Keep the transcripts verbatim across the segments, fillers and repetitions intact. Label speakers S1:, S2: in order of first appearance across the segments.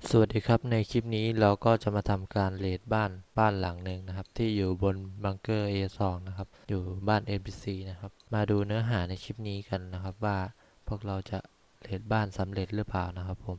S1: สวัสดีครับในคลิปนี้เราก็จะมาทำการเรทบ้านบ้านหลังหนึ่งนะครับที่อยู่บนบังเกอร์ เอ สอง นะครับอยู่บ้าน เอ็น พี ซี นะครับมาดูเนื้อหาในคลิปนี้กันนะครับว่าพวกเราจะเรทบ้านสำเร็จหรือเปล่านะครับผม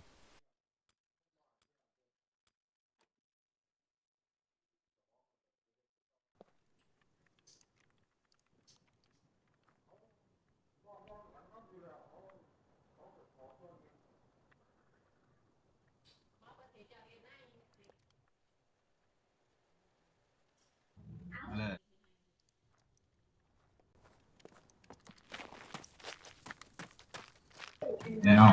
S2: เลยแล้ว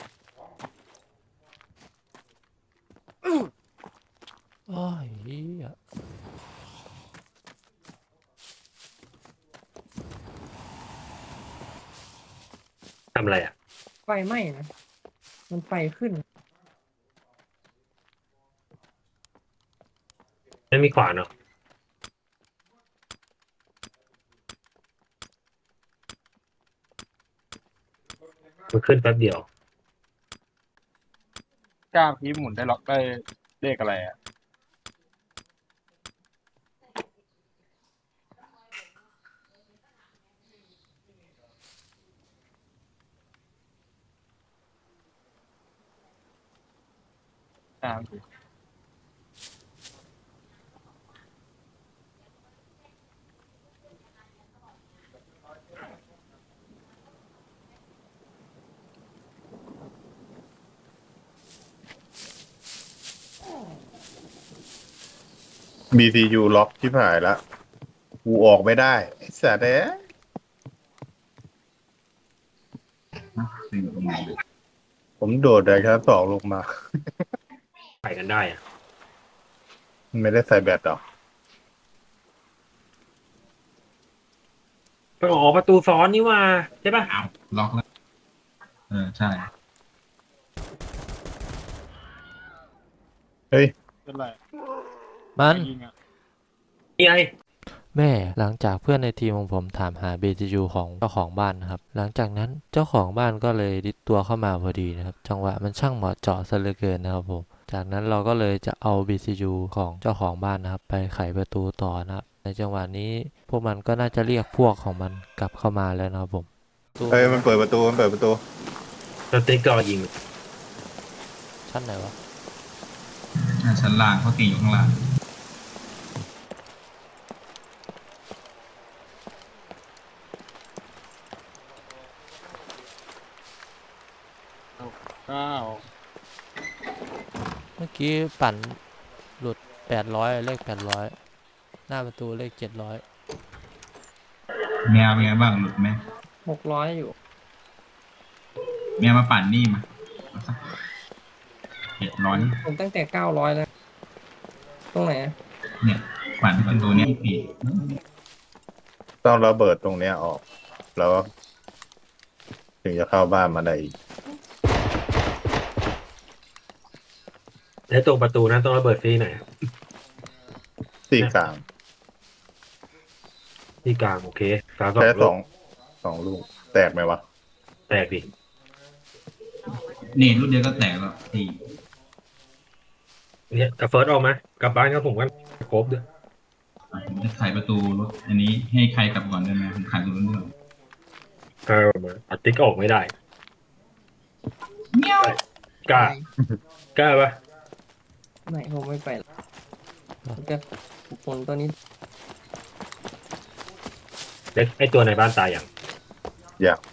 S1: โอ้ยเหี้ย
S3: ทำอะไรอ่ะ
S4: ไฟไหม้นะมันไฟขึ้น
S3: ไม่มีขวานเนาะมันขึ้นแป๊บเดียว
S2: ก้าวพีหมุนได้ล็อกได้เลขอะไรอ่ะก้าวพี
S5: บี ซี ยู ล็อกที่ผ่ายแล้วกูออกไม่ได้ไอ้สัตว์เอ้ยผมโดดได้แค่สองลงมา
S3: ไปกันได้อ่ะ
S5: ไม่ได้ใส่แบตหรอก
S3: ไปออกประตูซ้อนนี่ว่าใช่ป่ะ
S2: อ้าวล็อกแล้ว เออ ใช่
S5: เฮ้ย
S2: เป็นไร
S1: มัน
S2: ยิงอ่ะ
S3: นี่ไง
S1: แม่หลังจากเพื่อนในทีมของผมถามหา บี ที ยู ของเจ้าของบ้านนะครับหลังจากนั้นเจ้าของบ้านก็เลยดิดตัวเข้ามาพอดีนะครับจังหวะมันช่างเหมาะเจาะซะเหลือเกินนะครับผมจากนั้นเราก็เลยจะเอา บี ซี ยู ของเจ้าของบ้านนะครับไปไขประตูต่อนะครับในจังหวะนี้พวกมันก็น่าจะเรียกพวกของมันกลับเข้ามาแล้วนะครับผมตู
S5: เฮ้ยมันเปิดประตูมันเปิดประตู
S3: สติ๊กก็ยิง
S1: ชั้นไหนวะ
S2: อ่าชั้นล่างเขาตีอยู่ข้างล่างเก้า
S1: เมื่อกี้ปั่นหลุดแปดร้อยเลขแปดร้อยหน้าประตูเลขเจ็ดร้อย
S2: แมวเป็นไงบ้างหลุดไหม
S4: หกร้อยอยู่
S2: แมวมาปั่นนี่มาเอาสักเจ็ดร้อย
S4: ผมตั้งแต่เก้าร้อยแล้วตรงไหนอะ
S2: เนี่ยปั่นประตูเนี้ยปี
S5: ต้องระเบิดตรงเนี้ยออกแล้วถึงจะเข้าบ้านมาได้อีก
S3: แล้วตรงประตูนั้นต้องระเบิดฟรีหน่อย
S5: ที่กลาง
S3: ที่กลางโอเคกลางสอ
S5: แค่
S3: งลูก
S5: สองสองลูกแตกไหมวะ
S3: แตกดิ
S2: นี่รุ่นเดียวก็แตกแล้วตี
S3: เนี่ยกับเฟิร์สออกมากลับบ้านกับผมกันครบด้วย
S2: อ่ะผมจะไขประตูรถอันนี้ให้ใครกลับก่อนได้ไหมผมไขตัวนู้นก่อน
S3: เออมาอัดติ๊กออกไม่ได้
S2: เมียว
S3: กล้ากล้าปะ
S4: ไม่ผมไม่ไปละผมจะผลตัวนี้
S3: เล็กไอตัวในบ้านตายอย่าง
S5: อยาก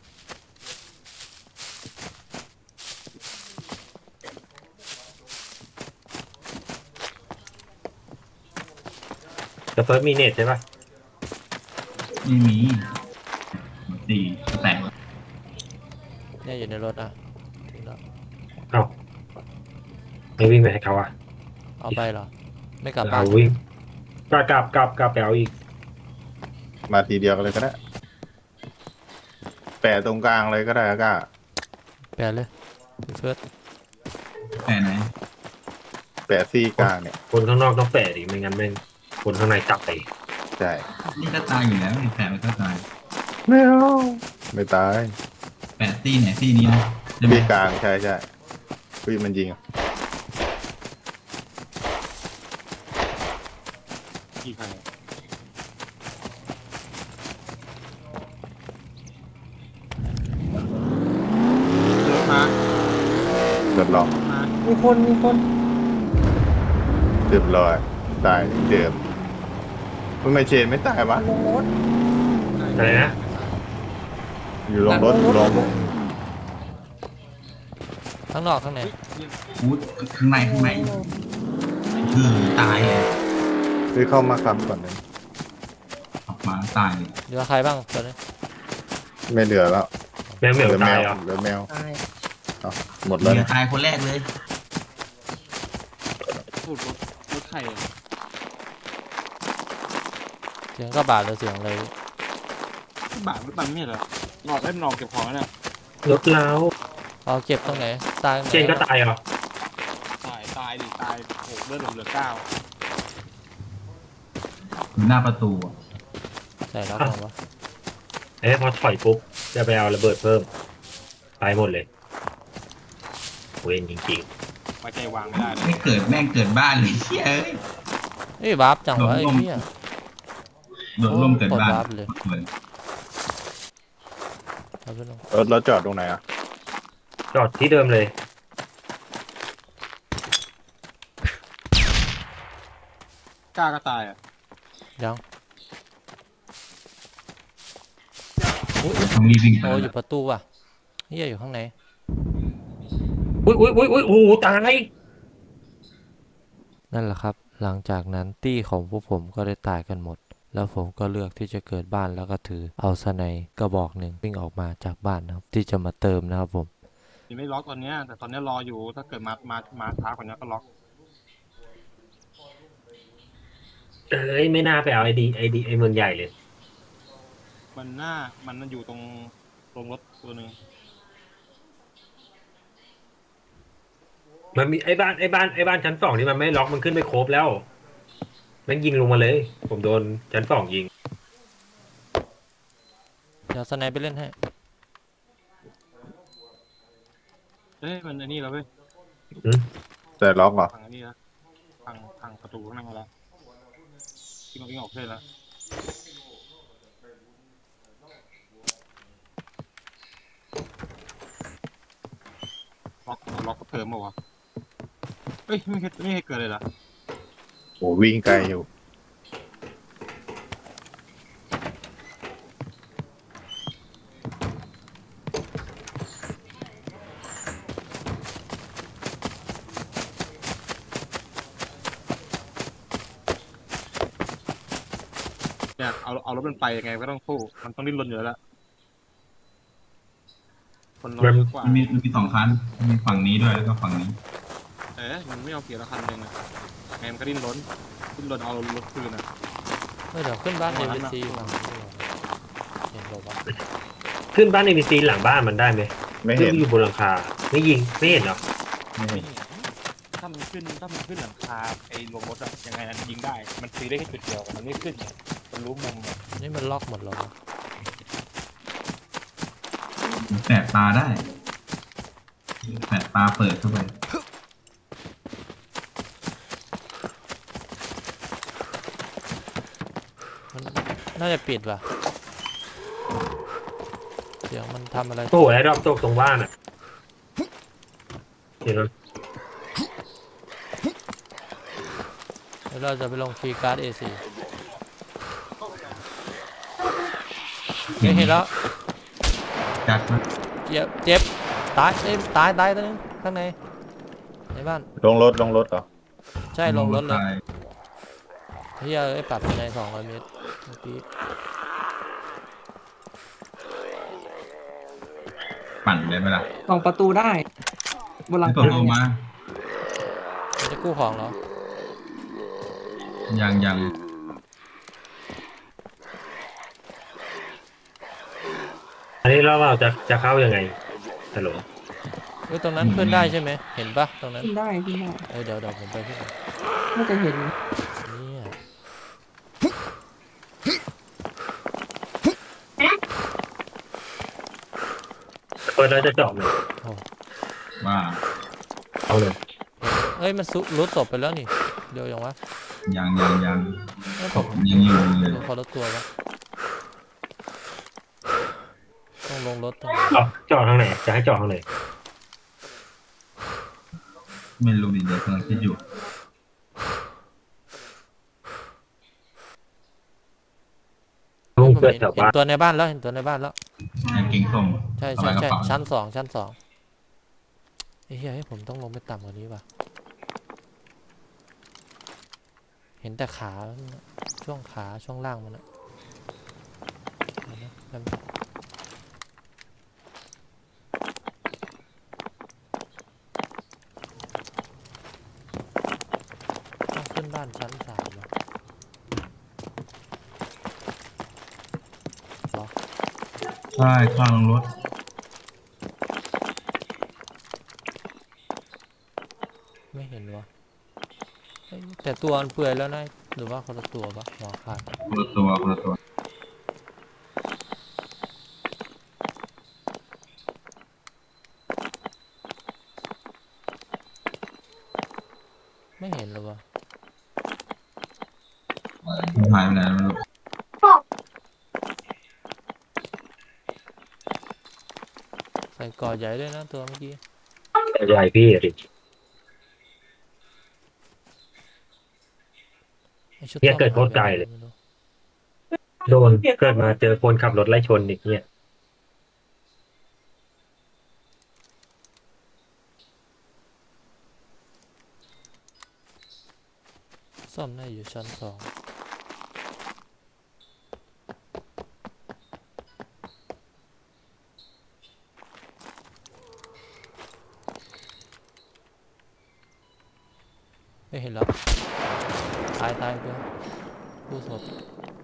S3: แต่เฟิร์สมีเน็ตใช่ปะ
S2: ไม่มีตีแตก
S1: เนี่ยอยู่ในรถอ่ะถึงแล้ว
S3: เอ้าไม่วิ่งไปให้เขาอ่ะ
S1: เอาไปเหรอไม่กลับบ้า
S3: เอา
S1: น
S3: วิ่งกลับกลับกลับกลับไปเอาอีก
S5: มาทีเดียวกันเลยก็ได้แปะตรงกลางเลยก็ได้ก็
S1: แปลเลยพี่เฟิร์ส
S2: แต่ไหน
S5: แปะซี่กลางเนี่ย
S3: คนข้างนอกต้องแปะดิไม่งั้นแม่งคนข้างในจับไป
S5: ใช่
S2: นี่ก็ตายอยู่แล้วนี่แปะมันก็ตาย
S5: ไม่เอาไม่ตาย
S2: แปะตีไหนตีนี้นะใช่ไหม
S5: ซี่กลางใช่ใช่พี่มันยิง
S6: กี่ใคร รถมา
S5: เดือดร้อน
S6: มา
S4: มีคนมีคน
S5: เรียบร้อยตายเดิมมันไม่เชนไม่ตายวะ
S4: ลงรถ
S3: อะไรนะ
S5: อยู่ลงรถลง
S1: ข้างนอกข้างใน
S2: พูดข้างในข้างในคือตายเลย
S5: คือเข้ามาคำก่อนเลย
S2: ออกมาตายเลย
S1: เหลือใครบ้างตอนนี้
S5: ไม่เหลือแล้ว
S3: แมวเหมียว
S5: เหลือแม
S3: ตายว เหรอ
S5: เหลือแมว
S4: ตาย
S5: อ้าวหมดแล้ว
S2: เมีย
S5: เนี่ย
S2: ตายคนแรกเลย
S6: พูดรถรถใครอะ
S1: เสียงกระบาดหรือเสียงอะไร
S6: บาทรถบังไม่เหรอหนอกได้หนอกเก็บของแล้วเนี่ย
S3: รถเล้า
S1: เอาเก็บตรงไหนตายตรงไหน
S3: เชนก็ตายเหรอ
S6: ตายตายดิตายโอ้โหเลือดผมเหลือเก้า
S2: อยู่หน้าประตูอะ
S1: ใส่ล็อกลงวะ
S3: เอ้ยพอถอยปุ๊บจะไปเอาระเบิดเพิ่มตายหมดเลยเวนจริง
S6: ไว้ใจวางไม่ได้เลย
S2: ไม่เกิดแม่งเกิดบ้านเลยเชี่ยเอ้ย
S1: เอ้ยวาร์ปจังวะไอ้เหี้ย
S2: โดดร่มเกิดบ้าน
S1: โอ้โหกดวาร์ปเลย
S2: เลย
S1: เอาไปลง
S5: รถแล้วจอดตรงไหนอ่ะ
S3: ๆจอดที่เดิมเลย
S6: กล้าก็ตายอ่ะ
S1: ยัง
S2: ต้องรีบวิ่งไป
S1: โอ้อยู่ประตูว่ะเหี้ยอยู่ข้างใน
S3: อุ้ยอุ้ยอุ้ยอุ้ยโอ้โหตาย
S1: นั่นแหละครับ หลังจากนั้นตี้ของพวกผมก็ได้ตายกันหมด แล้วผมก็เลือกที่จะเกิดบ้านแล้วก็ถือเอาสไนป์กระบอกหนึ่งวิ่งออกมาจากบ้านนะครับที่จะมาเติมนะครับผม
S6: ยังไม่ล็อกตอนเนี้ยแต่ตอนเนี้ยรออยู่ถ้าเกิดมามามาช้ากว่านี้ก็ล็อก
S3: เอ้ยไม่น่าไปเอาไอดีไอดีไอเมืองใหญ่เลย
S6: มันหน้ามันมันอยู่ตรงตรงรถตัวหนึ่ง
S3: มันมีไอ้บ้านไอ้บ้านไอ้บ้านชั้นสองที่มันไม่ล็อกมันขึ้นไปโครบแล้วมันยิงลงมาเลย ผมโดนชั้นสองยิง
S1: เดี๋ยวสไนป์ไปเล่นให้
S6: เอ้ยมันอันนี้แล้วเว้ย
S5: แต่ล็อกเหรอ
S6: พังอันนี้แล้วพังพังประตูข้างหน้าแล้ววิ่งออกวิ่งออกเลยแล้วล็อกล็อกก็เพิ่มมาวะเอ้ยไม่เคยไม่เคยเกิดเลยเหรอ
S5: โอ้วิ่งไกลอยู่
S6: เนี่ยเอาเอารถมันไปยังไงก็ต้องสู้มันต้องดิ้นรนอยู่แล้วล่ะคนเราเยอะกว่า
S2: มันมีมันมีสองคันมีฝั่งนี้ด้วยแล้วก็ฝั่งนี้
S6: เอ๊ะมันไม่เอาเกียร์ละคันหนึ่งอะไงมันก็ดิ้นรนดิ้นรนเอารถคืนอะ
S1: เฮ้ยเดี๋ยวขึ้นบ้าน
S6: อ๋
S1: เอ
S6: อ
S1: เว
S6: นั่น
S1: ซี
S6: น่ะ
S1: ฝั่งนี้ดีกว่าเห็นบอกว่า
S3: ขึ้นบ้านเอ บี ซีหลังบ้านมันได้ไหม
S5: ไม่
S3: ขึ้
S5: เห็
S3: น
S5: น
S3: อยู่บนหลังคาไม่ยิงไม่เห็นเหรอ
S5: ไม่เห็น
S6: ถ้ามันขึ้นถ้ามันขึ้นหลังคาไอ้ลงรถอะยังไงนั้นยิงได้ มันตีได้แค่จุดเดียวมันไม่ขึ้นไงมันรู้มุมอะ
S1: นี่มันล็อกหมดแล้ววะ
S2: แสบตาได้แสบตาเปิดเข้าไป
S1: มันน่าจะปิดว่ะเสียงมันทำอะไร
S3: โอ้โหไอ้รอบตกตรงบ้านอ่ะเห็นไหม
S1: เดี๋ยวเราจะไปลงฟรีการ์ดเอซีเห็นแล้ว
S2: จัดมา
S1: เจ็บเจ็บตายเอ้ยตายตายตัวนึงข้างในในบ้าน
S5: ลงรถลงรถเหรอ
S1: ใช่ลงรถเลย
S2: ตาย
S1: เฮียไอ้ยปรับในสองร้อยเมตรเมื่อกี้
S2: ปั่นได้ไหมล่ะ
S4: สองประตูได้บนหลัง
S2: ไม่ตก
S4: คา
S2: ลง
S4: เนี่ย
S2: มา
S1: มันจะกู้ของเหรอ
S2: ยังยัง
S3: อันนี้เราเราจะจะเข้ายังไงฮัลโหล
S1: เฮ้ยตรงนั้นขึ้นได้ใช่ไหมเห็นปะตรงนั้น
S4: ขึ้นได้ขึ้นได้
S1: เอ้ยเดี๋ยวเดี๋ยวผมไปขึ้นก่อน
S4: น่าจะเห็น
S1: เนี่ย
S3: เปิดแล้วจะเจาะเลย
S2: ว่า
S3: เอาเลย
S1: เอ้ยมันซุรุดศพไปแล้วนี่เดี๋ยวยังวะ
S2: ยังยังยัง
S1: เอ้ย
S2: ศ
S1: ผม
S2: พยังอยู่เลย
S1: ดูคนละตัวปะต้องลงรถตรงไหน
S3: เจาะเจาะทางไหนจะให้เจาะทางไหน
S2: ไม่รู้ดิเดี๋ยวกำลังคิดอยู่
S3: ลุง
S1: ผม
S3: เกิด
S1: เห็น
S3: แถว
S1: เห็น
S3: บ้าน
S1: ตัวในบ้านแล้วเห็นตัวในบ้านแล้ว
S2: กางเกงส้ม
S1: ใช่
S2: เอา
S1: ใช่
S2: ไว้กระ
S1: ใช่
S2: เป๋า
S1: ชั้นสองชั้นสองไอ้เหี้ยให้ผมต้องลงไปต่ำกว่านี้ป่ะเห็นแต่ขาช่วงขาช่วงล่างมันอะเดี๋ยวนะแป๊บนึงต้องขึ้นบ้านชั้นสามเหรอ
S2: ใช่ข้างรถ
S1: ไม่เห็นวะเอ้ยแต่ตัวมันเปื่อยแล้วนะหรือว่าคนละตัวปะหัวขาด
S2: คนละตัวคนละตัว
S1: ไม่เห็นเลยวะ
S2: หายไปไหนไม่รู้
S1: ใส่ก่อใหญ่ด้วยนะตัวเมื่อกี้
S3: ใหญ่พี่ดิ
S1: ไอ้ชุด
S3: เนี่ย
S1: ส้ม
S3: เกิดโคตรไกลเลย โดนเกิดมาเจอคนขับรถไล่ชนอีกเนี่ย
S1: ส้มน่าอยู่ชั้นสองไม่เห็นแล้วตายตายตัวผู้สด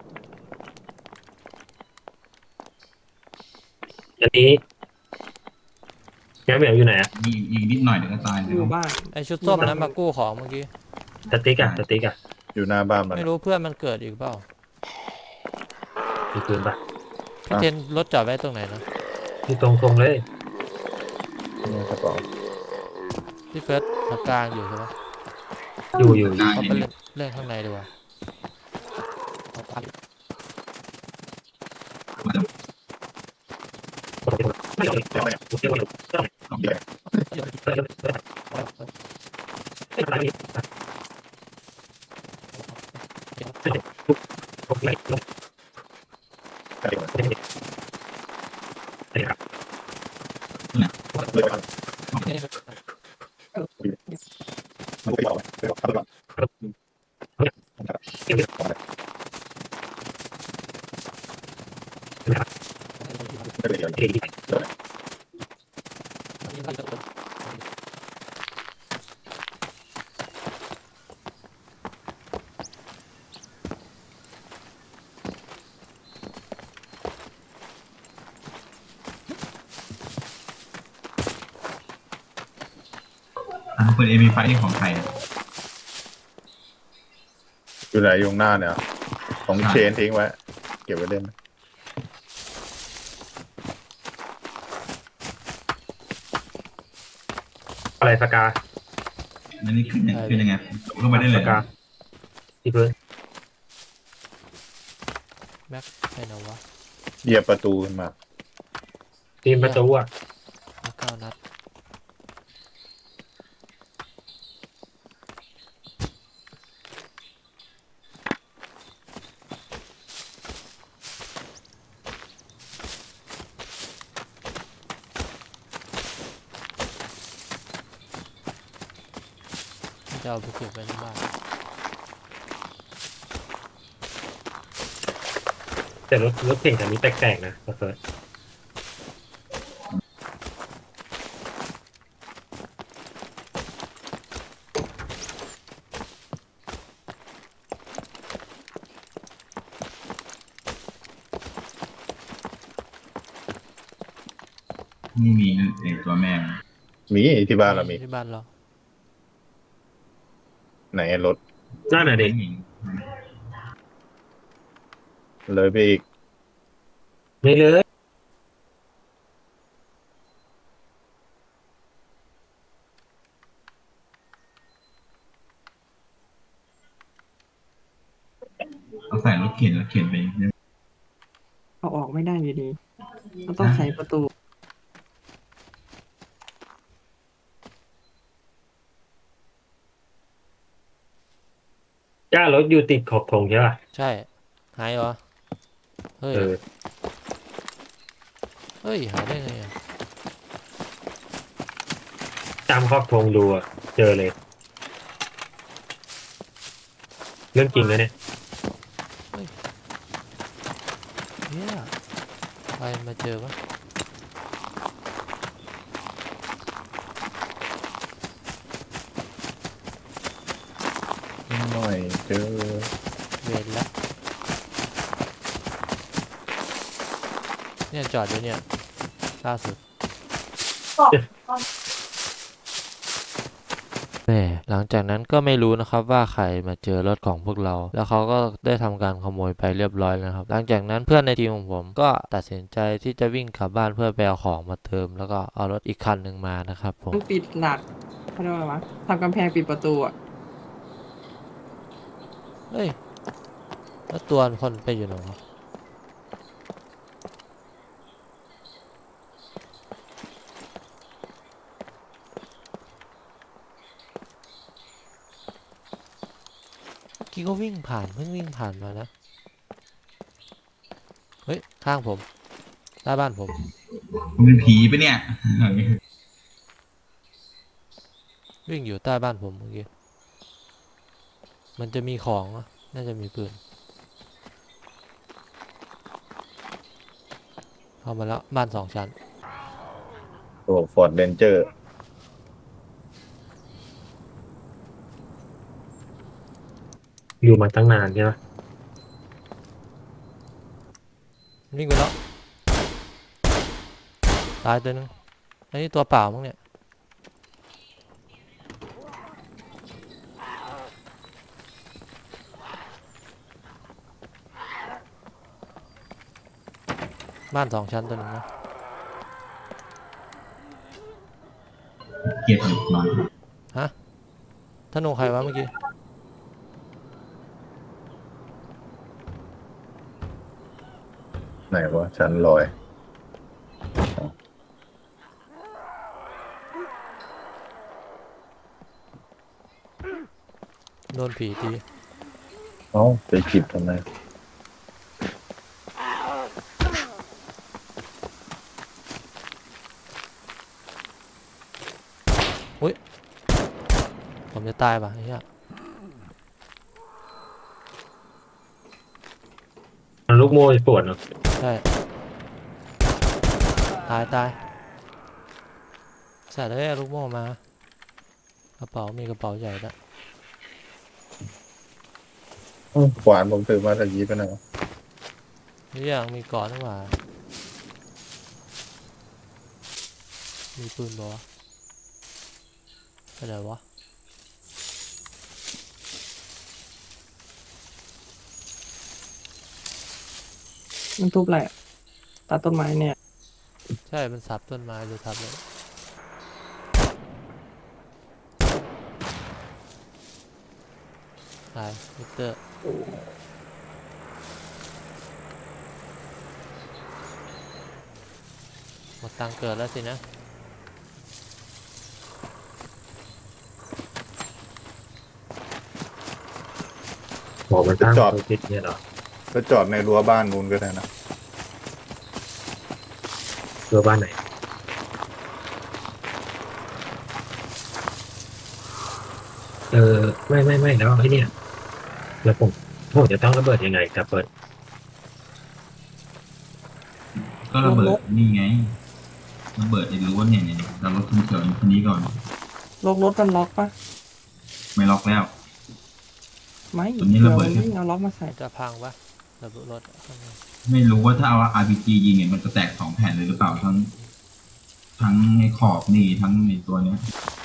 S3: อันนี้แกเหมียวอยู่ไหนอะ
S2: อีกอีกนิดหน่อยเดี๋ยวก็ตาย
S4: อ
S2: เดี๋ย
S4: ยู่
S2: ว
S4: บ้าน
S1: ไอชุดส้มนั้นมากู้ของเมื่อกี้
S3: สติ๊กอะสติ๊กอะ
S5: อยู่หน้าบ้านมัน
S1: ไม่รู้เพื่อนมันเกิดอีกเปล่า
S3: มีปืนปะ
S1: พี่เทนรถจอดไว้ตรงไหนนะ
S3: ที่ตรงตรงๆเลย
S5: นี่กระเป๋า
S1: พี่เฟิร์สตรงกลางอยู่ใช่ปะ
S3: อยู่อยู่
S2: ได้
S1: เขา
S2: อ
S1: ไป
S2: ยู่
S1: เล่นเล่นข้างในดีกว่าเอาไป
S3: ไม่เอาไม่เอาไม่เอาไม่เอาไม่เอา
S5: เดี๋ยว
S3: ไม่เป็นไรพี่ผมไม่ลง
S5: ใครมา
S3: ไม่ได้ไม่ได้ครับ
S5: เลยกันมันก็ยอมไปบอกทำก่อน
S3: เกี่ยวกับ
S5: ไม่เป็นไร
S3: เกี่ยวกับ
S2: อ่ะปืนเอพีไฟนี่ของใครอะ
S5: อยู่ไหนอยู่หน้าเนี่ยของเชนทิ้งไว้ เก็บไว้เล่น
S3: อะไรสกา
S2: แล้วนี่ขึ้นยังขึ้นยังไงลงไปได้เล
S3: ส
S2: ย
S3: กาที่พื้น
S1: แม็กไปไหนวะ
S5: เหยียบประตูขึ้นมา
S3: ทีมประตูอะ
S1: มีเก้านัดจะเอาไปเก็บไว้ในบ้าน
S3: แต่รถรถเก่งคันนี้แปลกๆนะเฟิร์ส
S2: นี่มีไอ้ตัวแม่มัน
S5: มีที่บ้านเรามี
S1: ที่บ้านเรา
S5: ไหนรถ
S3: นั่นน่ะเด็ก
S2: หญิง
S5: เลยไปอีก
S3: ไม่เลย
S2: เอาใส่รถเข็นแล้วเข็นไป
S4: เอาออกไม่ได้อยู่ดีเราต้องไขประตู
S3: จ้ารถอยู่ติดขอบธงใช่ป่ะ
S1: ใช่หายเหรอเฮ้ย
S3: เออ
S1: เฮ้ยหายได้ไงอ่ะ
S3: ตามขอบธงดูอะเจอเลย เรื่องจริงนะเนี่ย
S1: เฮียใครมาเจอวะ
S5: หน่อยเจอ
S1: เวรละเนี่ยจอดอยู่เนี่ยล่าสุดแหมหลังจากนั้นก็ไม่รู้นะครับว่าใครมาเจอรถของพวกเรา แล้วเขาก็ได้ทำการขโมยไปเรียบร้อยแล้วนะครับ หลังจากนั้นเพื่อนในทีมของผมก็ตัดสินใจที่จะวิ่งกลับบ้านเพื่อไปเอาของมาเติม แล้วก็เอารถอีกคันหนึ่งมานะครับผม
S4: ต้องปิดหลักเขาเรียกว่าอะไรวะทำกำแพงปิดประตูอ่ะ
S1: เฮ้ยแล้วตัวคนไปอยู่ไหนวะเมื่อกี้ก็วิ่งผ่านเพิ่งวิ่งผ่านมานะ เฮ้ย ข้างผมหน้าบ้านผม
S2: มึงเป็นผีปะเนี่ย
S1: วิ่งอยู่ใต้บ้านผมเมื่อกี้ มันจะมีของอะน่าจะมีปืน เข้ามาแล้วบ้านสองชั้น
S5: ตัวฟอร์ดเรนเจอร์
S3: อยู่มาตั้งนานใช่ไหม
S1: วิ่งไปแล้ว ตายตัวนึงอันนี้ตัวเปล่ามั้งเนี่ย บ้านสองชั้นตัวนึงนะ
S2: เกลียดหยุดนอน
S1: ฮะธนูใครวะเมื่อกี้
S5: ไหนวะชั้นลอย
S1: โดนผีตี
S5: เอ้าไปจิบทำไม
S1: ผมจะตายป่ะไอ้เหี้ย
S3: มันลูกโม่ปวดเนาะ
S1: ใช่ ตายตายใส่ได้ลูกโม่มา กระเป๋ามีกระเป๋าใหญ่แล้ว
S5: อ้าวขวานผมถือมาตะกี้ไปไหนวะ
S1: นี่อย่างมีก่อนหรือเปล่ามีปืนบ่วะไปไหนวะ
S4: มันทุบอะไรอะตัดต้นไม้เนี่ย
S1: ใช่ มันสับต้นไม้หรือทับเลยตายมิเตอร์หมดตังค์เกิดแล้วสินะ
S3: บอกมันตั้งตัวติดเนี่ยเหรอ
S5: ก็จอดในรั้วบ้านนู้นก็ได้นะ
S3: เรือบ้านไหน เออ ไม่ไม่ไม่แล้วไอ้เนี่ยแล้วผมผมจะต้องระเบิดยังไงกับเปิด
S2: ก็ระเบิดนี่ไงระเบิดไอ้รั้วเนี่ยเนี่ยเรารถคันเขียวคันนี้ก่อน
S4: ล็อกรถมันล็อกปะ
S2: ไม่ล็อกแล้ว
S4: ไม่
S2: ตัวนี้ระเบิด
S4: มันวิ่งเอาล็อกมาใส่
S1: จะพังปะระเบิดรถข้างใน
S2: ไม่รู้ว่าถ้าเอา อาร์ พี จี ยิงเนี่ยมันจะแตกสองแผ่นเลยหรือเปล่าทั้ง ทั้งในขอบนี่ทั้งในตัวเนี้ย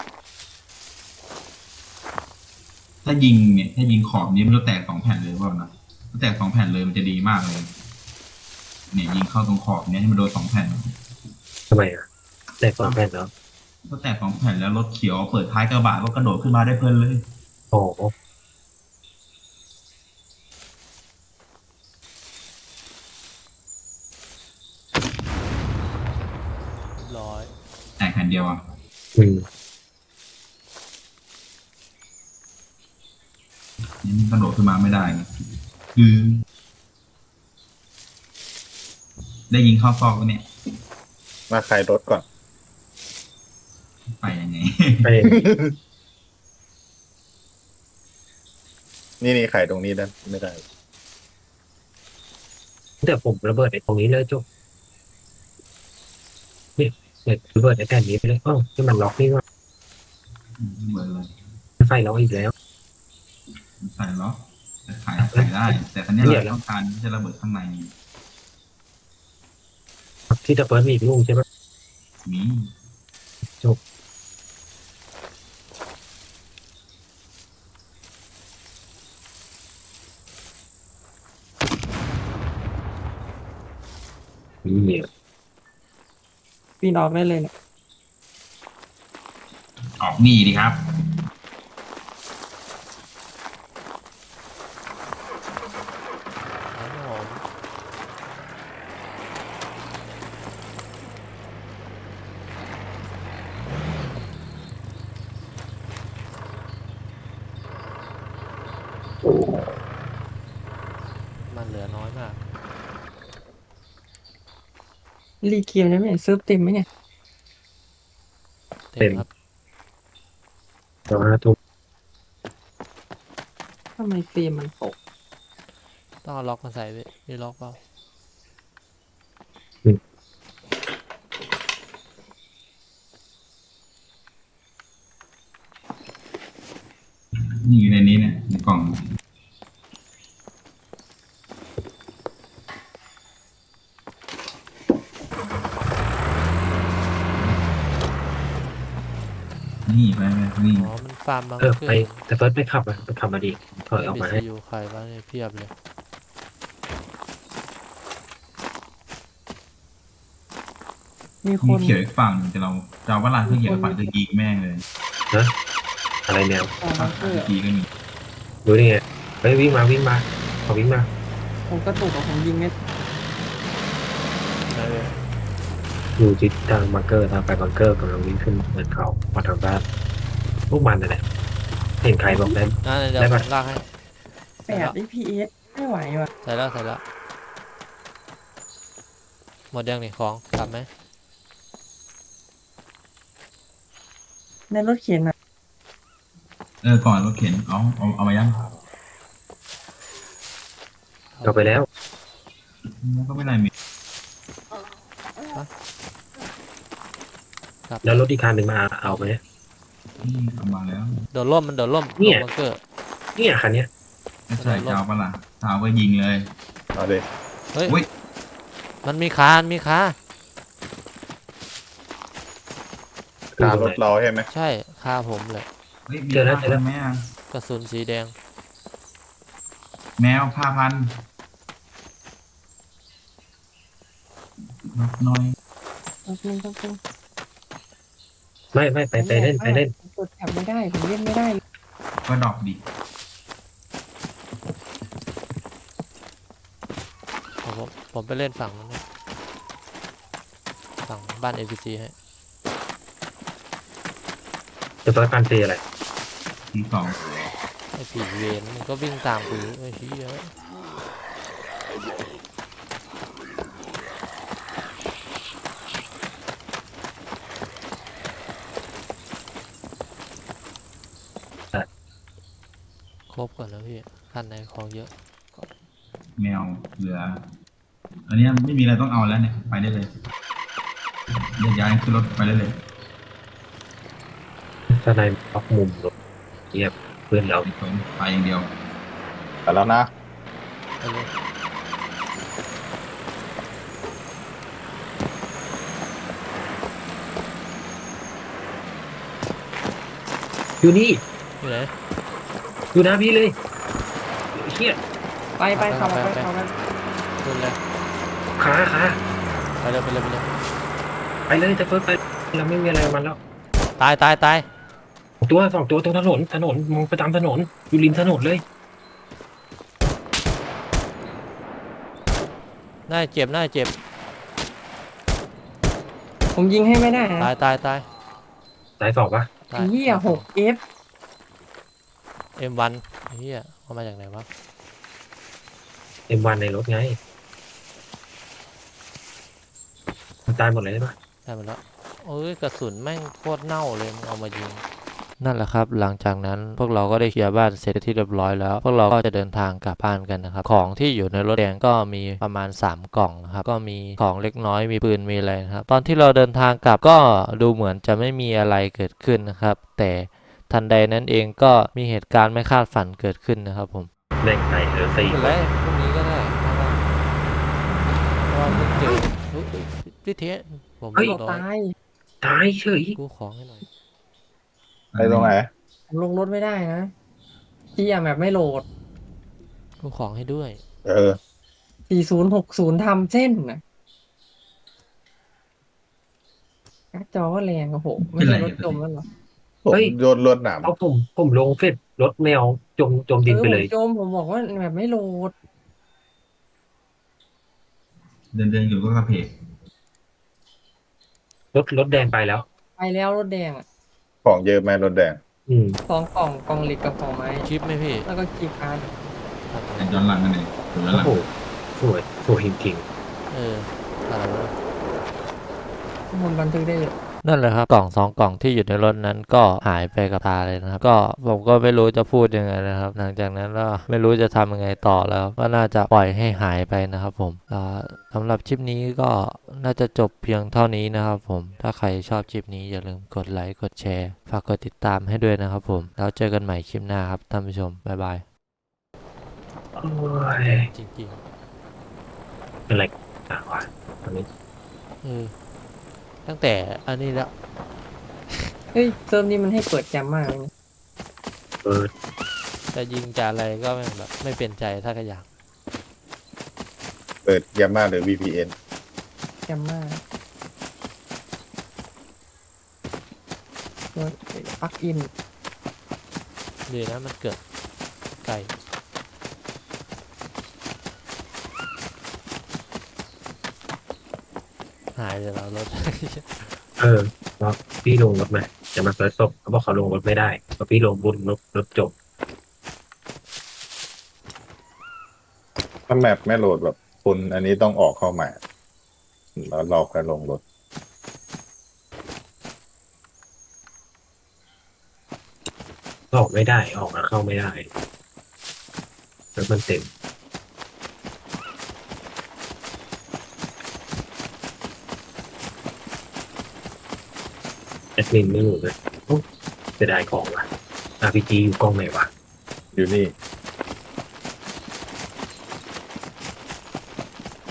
S2: ถ้ายิงเนี่ย ถ้ายิงขอบนี้มันจะแตกสองแผ่นเลยหรือเปล่านะถ้าแตกสองแผ่นเลยมันจะดีมากเลย เนี่ยยิงเข้าตรงขอบเนี้ยให้มันโดนสองแผ่น
S3: ทำไมอ่ะแตกสองแผ่นเนาะ
S2: ถ้าแตกสองแผ่นแล้วรถเขียวเปิดท้ายกระบะก็กระโดดขึ้นมาได้เพลินเลย
S3: โอ้โห
S2: เดียวอ่ะ
S3: อืม
S2: นี่มันกระโดดขึ้นมาไม่ได้ไงคือ ได้ยิงเข้าซอกแล้วเนี่ย
S5: มาใครรถก่อน
S2: ไปยังไง
S3: ไป
S5: นี่นี่ไขตรงนี้ได้ไม่ได้
S3: แต่ผมระเบิดไอ้ตรงนี้เลยจุ๊บเนี่ยเนี่ยระเบิดไอ้แผ่นนี้ไปเลยอ้าวที่มันล็อกนี่ว่า
S2: เหมือนเลย
S3: ไฟล็อกอีกแล้ว
S2: ใส่ล็อกแต่ขายขายได้ แต่ครั้นี้เราต้องการที่จะระเบิดข้างใน
S3: ที่จะเฟิร์สมีอีกลูกใช่ไหม
S2: มี
S3: มีเนี่ย
S4: ปีนออกได้เลยเนี่ย
S2: ออกนี่ดีครับ
S1: ครับผม มันเหลือน้อยมาก
S4: รีเกมได้ไหมเซิร์ฟเต็มไหมเนี่ย
S1: เต็มครับ
S3: ตอนห้าทุ่ม
S4: ทำไมเกมมันตก
S1: ต้องเอาล็อกมาใส่ไว้มีล็อกเปล่า
S2: นี่อยู่ในนี้เนี่ยในกล่อง นี่ไปไปนี่
S1: อ๋อ มันฟาร์มบัง
S3: เออ
S1: เกอ
S3: ไป
S1: ร์
S3: แต่เฟิร์สไม่ขับอ่ะไปขับมาดิถอยออก
S1: บี
S3: มา
S1: ซี
S3: ให้
S1: ยูใครบ้างเนี่ยเพียบเลย
S4: มีค
S2: มี
S4: น
S2: เขียวอีกฝั่งแต่เราจะเอาว่าลานเพื่อเขียวฝั่งจะยิงแม่งเลย
S3: อะไรแนว
S4: ต่อ
S2: ฝั่
S4: มาง เกอร์
S2: ทีก็มี
S3: ดูนี่ไงเฮ้ยวิ่งมาวิ่งมาขอวิ่งมา
S4: ผมกระตุกกับผมยิงไม่
S1: ไหนเลย
S3: อยู่ทิศทางบังเกอร์ทางไปบังเกอร์กำลังวิ่งขึ้นเนินเขามาทางบ้านพวกมันนั่นแหละเห็นใครบอกได้
S1: นั่นเดี๋ยว
S3: ได้
S1: ผ
S3: ปะ
S1: มลากให้
S4: แปด เอฟ พี เอส ไม่ไหวว่ะ
S1: ใส่แล้วใส่แล้ว หมดยังนี่ของกลับไหม
S4: ในรถเข็นอ่ะ
S2: เออก่อนรถเข็นเอาเอาเอามายัง
S3: เอาไปแล้ว
S2: แล้วก็ไม่ได้มี
S1: กลับ
S3: แล้วรถอีกคันหนึ่งมาเอาไหม
S2: นี่เอามาแล้ว
S1: โดดร่มมันโดดร่ม
S3: เนี่ย
S1: ลงบังเกอร์
S3: เนี่ยคันเนี้ย
S2: ไม่ใช่เจ้าปะล่ะเจ้าก็ยิงเลย
S5: เอาดิ
S1: เฮ้ย
S2: อุ๊ย
S1: มันมีคามันมีคา
S5: ตามรถเราใช่ไหม
S1: ใช่คาผมเลย
S2: เฮ้ยมี
S3: เจอแล้ว
S2: ผ้า
S3: เจอแล้ว
S2: พันไหมอะ
S1: กระสุนสีแดง
S2: แมวผ้าพันรับหน้อย
S4: แป๊บนึงแป๊บนึง
S3: ไม่ไม่ไปไปเล่นไปเล่น
S4: ผมกดแถบไม่ได้ ผมเล่นไม่ได้เลย
S2: ก็ดรอกดิ
S1: ผมผมผมไปเล่นฝั่งนั้นนะฝั่งบ้านเอพีซีให้
S3: จะเฟิร์สพันซีอะไร
S2: ทีสอง
S1: ไอ้ผีเวนมันก็วิ่งตามกูไอ้เหี้ย ครบก่อนแล้วพี่คันในของเยอะ
S2: แมวเหลือ อันเนี้ยไม่มีอะไรต้องเอาแล้วเนี่ยไปได้เลยเดี๋ยวย้ายขึ้นรถไปได้เลย
S3: สไนด์ล็อกมุมรถเยียบเพื่อนเรา
S2: ไปไปอย่างเดียว
S5: ไปแล้วนะ
S1: ไปเลย
S3: อยู่นี่
S1: อยู่ไหน
S3: อยู่หน้าพี่เลยเฮีย
S4: ไปไปขับไปขับไป
S1: ขึ้นเลย
S3: ขาขา
S1: ไปเลยไปเลยไปเลย
S3: ไปเลยจะเฟิร์สไปเราไม่มีอะไรกับมันแล้ว
S1: ตายตายตาย
S3: ตัวสองตัวตรงถนนถนนมองไปตามถนนอยู่ริมถนนเลย
S1: น่าเจ็บน่าเจ็บ
S4: ผมยิงให้ไม่ได้นะ
S1: ตายตายตาย
S3: สายสองปะ
S1: ได้
S4: ไอ้เหี้ยหกเอฟ
S1: เอ็มวันเฮียเอามาจากไหนวะ
S3: เอ็มวันในรถไงมันตายหมดเลยใช่ปะ
S1: ได้มาแล้วโอ้ยกระสุนแม่งโคตรเน่าเลยมึงเอามายิงนั่นแหละครับหลังจากนั้นพวกเราก็ได้เคลียร์บ้านเสร็จที่เรียบร้อยแล้วพวกเราก็จะเดินทางกลับบ้านกันนะครับของที่อยู่ในรถแดงก็มีประมาณสามกล่องนะครับก็มีของเล็กน้อยมีปืนมีอะไรนะครับตอนที่เราเดินทางกลับก็ดูเหมือนจะไม่มีอะไรเกิดขึ้นนะครับแต่ทันใดนั้นเองก็มีเหตุการณ์ไม่คาดฝันเกิดขึ้นนะครับผม
S3: แม่งไก่เออสี่
S1: ไม่เป็นไรพรุ่งนี้ก็ได้เพราะว่าเพราะว่าเพิ่งเจอเฮ้ยพี่เทสผม
S4: เฮ้ย
S1: เรียบร้อย
S4: ตาย
S3: ตายเฉย
S1: กู้ของให้หน่อย
S5: ไอ้ตรงไหน
S4: ผมลงรถไม่ได้นะที่อะแบบไม่โหลด
S1: กู้ของให้ด้วย
S5: เออ
S4: สี่ศูนย์หกศูนย์ทำเส้นนะการ์ดจอก็แรงโอ้โหไม่ใช่รถจมแล้วเหรอ
S5: ผมโยนรวดหนาม
S3: เอาผมผมลงเฟซรถแมวจมจมดินไป
S4: เออ
S3: เล
S4: ผม
S3: ย
S4: จมผมบอกว่าแบบไม่โหลด
S2: เดินเดินอยู่ก็กระเพก
S3: รถรถแดงไปแล้ว
S4: ไปแล้วรถแดงอ่ะ
S5: ของเยอะไหมรถแดง
S3: อืม
S4: สองกล่องกล่องเหล็กกับกล่องไม้
S1: ชิปไหมพี่
S4: แล้วก็กีบการ์ด
S2: แต่ย้อนหลังกันเองหรือย้อนห
S3: โอ้
S2: ลัง
S3: โหสวยสวยจริง
S1: เอออะไรวะ
S4: มันบันทึกได้เลย
S1: นั่นแหละครับกล่องสองกล่องที่อยู่ในรถนั้นก็หายไปกับตาเลยนะครับก็ผมก็ไม่รู้จะพูดยังไงนะครับ หลังจากนั้นก็ไม่รู้จะทำยังไงต่อแล้วก็น่าจะปล่อยให้หายไปนะครับผมอ่าสำหรับคลิปนี้ก็น่าจะจบเพียงเท่านี้นะครับผมถ้าใครชอบคลิปนี้อย่าลืมกดไลค์กดแชร์ฝากกดติดตามให้ด้วยนะครับผมแล้วเจอกันใหม่คลิปหน้าครับท่านผู้ชมบ๊ายบาย
S3: ๆโอ้ย
S1: จริง
S3: เป็นไรอ่ะวะตอนนี้
S1: ๆเออตั้งแต่อันนี้แล้ว
S4: เฮ้ยเซิร์ฟนี้มันให้เปิดแจมมากเลยนะ
S3: เออ
S1: จะยิงจะอะไรก็ไม่แบบไม่เป็นใจถ้าก็อยาก
S5: เปิดยามาหรือ วี พี เอ็น
S4: แจมมากตัวปลักอิน
S1: ดีนะมันเกิดไกลหายเลยเรารถ
S3: เออว่าพี่ลงรถมาจะมาเปิดศพเขาบอกเขาลงรถไม่ได้เพราะพี่ลงบุญรถรถจบ
S5: ถ้าแมปไม่โหลดแบบคุณอันนี้ต้องออกเข้าใหม่แล้วเราค่อยลงรถ
S3: ออกไม่ได้ออกแล้วเข้าไม่ได้แล้วมันเต็มแอดมินไม่รู้เลยโอ้เสียดายของว่ะ อาร์ พี จี อยู่กล้องไหนวะ
S5: อยู่นี่